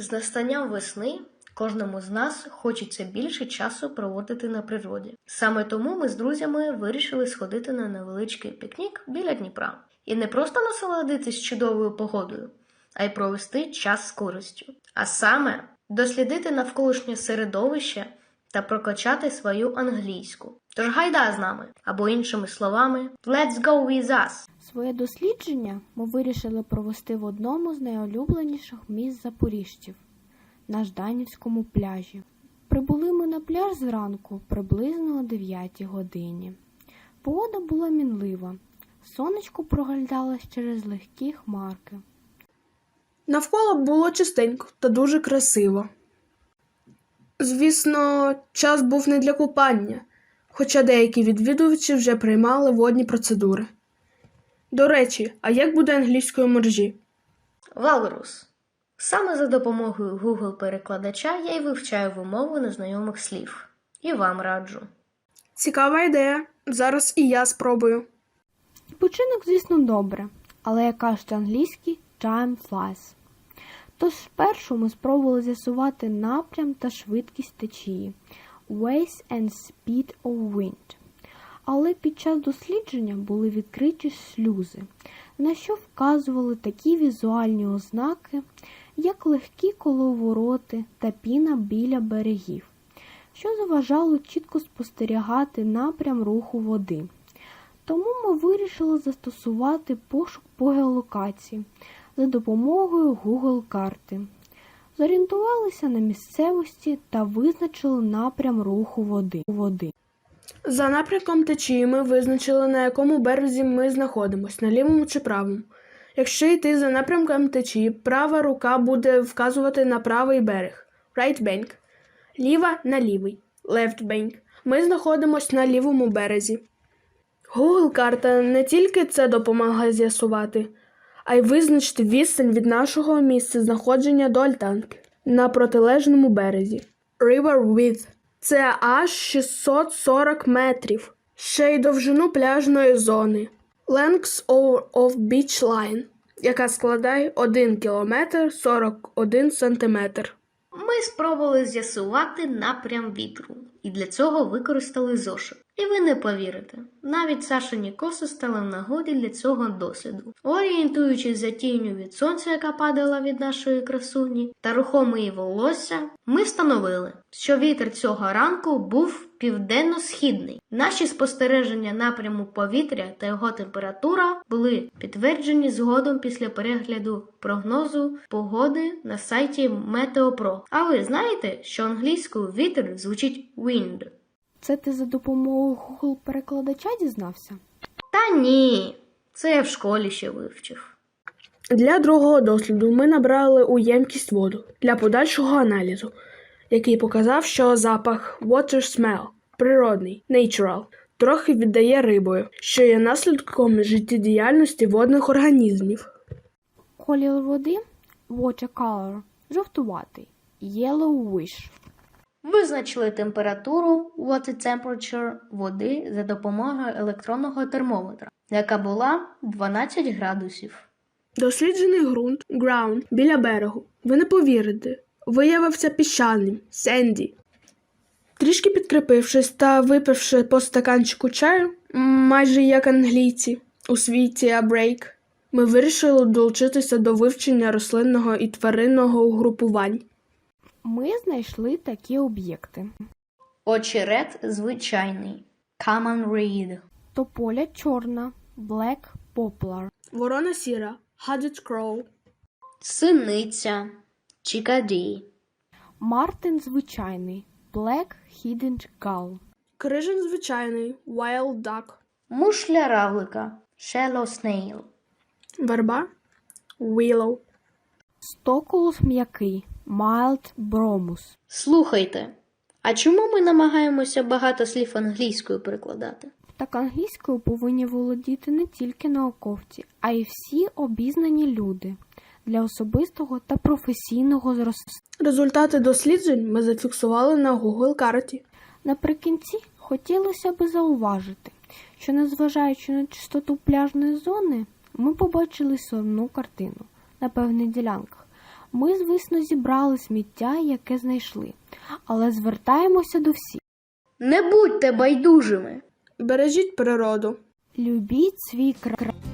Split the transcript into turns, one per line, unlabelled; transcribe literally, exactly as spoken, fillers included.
З настанням весни кожному з нас хочеться більше часу проводити на природі. Саме тому ми з друзями вирішили сходити на невеличкий пікнік біля Дніпра. І не просто насолодитись чудовою погодою, а й провести час з користю. А саме дослідити навколишнє середовище та прокачати свою англійську. Тож гайда з нами, або іншими словами, let's go with us!
Своє дослідження ми вирішили провести в одному з найулюбленіших місць запоріжців – на Жданівському пляжі. Прибули ми на пляж зранку приблизно о дев'ятій годині. Погода була мінлива, сонечко проглядалось через легкі хмарки.
Навколо було чистенько та дуже красиво. Звісно, час був не для купання, хоча деякі відвідувачі вже приймали водні процедури. До речі, а як буде англійською моржі?
Валрус. Саме за допомогою Google-перекладача я й вивчаю вимову незнайомих слів. І вам раджу.
Цікава ідея. Зараз і я спробую.
Відпочинок, звісно, добре, але, як кажуть англійські, time flies. Тож спершу ми спробували з'ясувати напрям та швидкість течії waves and speed of wind. Але під час дослідження були відкриті шлюзи, на що вказували такі візуальні ознаки, як легкі коловороти та піна біля берегів, що заважало чітко спостерігати напрям руху води. Тому ми вирішили застосувати пошук по геолокації за допомогою Google-карти. Зорієнтувалися на місцевості та визначили напрям руху води.
За напрямком течії ми визначили, на якому березі ми знаходимося, на лівому чи правому. Якщо йти за напрямком течії, права рука буде вказувати на правий берег – right bank, ліва – на лівий – left bank. Ми знаходимося на лівому березі. Google-карта не тільки це допомагає з'ясувати, а й визначити відстань від нашого місця знаходження до альтанки на протилежному березі. River width – це аж шістсот сорок метрів. Ще й довжину пляжної зони. Length of beach line, яка складає один кілометр сорок один сантиметр.
Ми спробували з'ясувати напрям вітру, і для цього використали зошит. І ви не повірите, навіть Сашині коси стали в нагоді для цього досліду. Орієнтуючись за тінню від сонця, яка падала від нашої красуні, та рухом її волосся, ми встановили, що вітер цього ранку був південно-східний. Наші спостереження напряму повітря та його температура були підтверджені згодом після перегляду прогнозу погоди на сайті Метеопро. А ви знаєте, що англійською вітер звучить wind?
Це ти за допомогою Google-перекладача дізнався?
Та ні, це я в школі ще вивчив.
Для другого досліду ми набрали у ємкість воду для подальшого аналізу, який показав, що запах water smell, природний, natural, трохи віддає рибою, що є наслідком життєдіяльності водних організмів.
Колір води – water color, жовтуватий, yellowish.
Визначили температуру water temperature води за допомогою електронного термометра, яка була дванадцять градусів.
Досліджений ґрунт ground біля берегу, ви не повірите, виявився піщаним, сенді. Трішки підкріпившись та випивши по стаканчику чаю, майже як англійці, у свій тіа-брейк, ми вирішили долучитися до вивчення рослинного і тваринного угрупувань.
Ми знайшли такі об'єкти.
Очерет звичайний, common reed.
Тополя чорна, black poplar.
Ворона сіра, hooded crow.
Синиця, чикаді.
Мартин звичайний, black hidden gull.
Крижень звичайний, wild duck.
Мушля равлика, shallow snail.
Верба, willow.
Стоколус м'який, mild bromus.
Слухайте, а чому ми намагаємося багато слів англійською перекладати?
Так англійською повинні володіти не тільки науковці, а й всі обізнані люди для особистого та професійного зростання.
Результати досліджень ми зафіксували на Google-карті.
Наприкінці хотілося б зауважити, що незважаючи на чистоту пляжної зони, ми побачили сумну картину на певних ділянках. Ми, звісно, зібрали сміття, яке знайшли, але звертаємося до всіх.
Не будьте байдужими.
Бережіть природу.
Любіть свій край.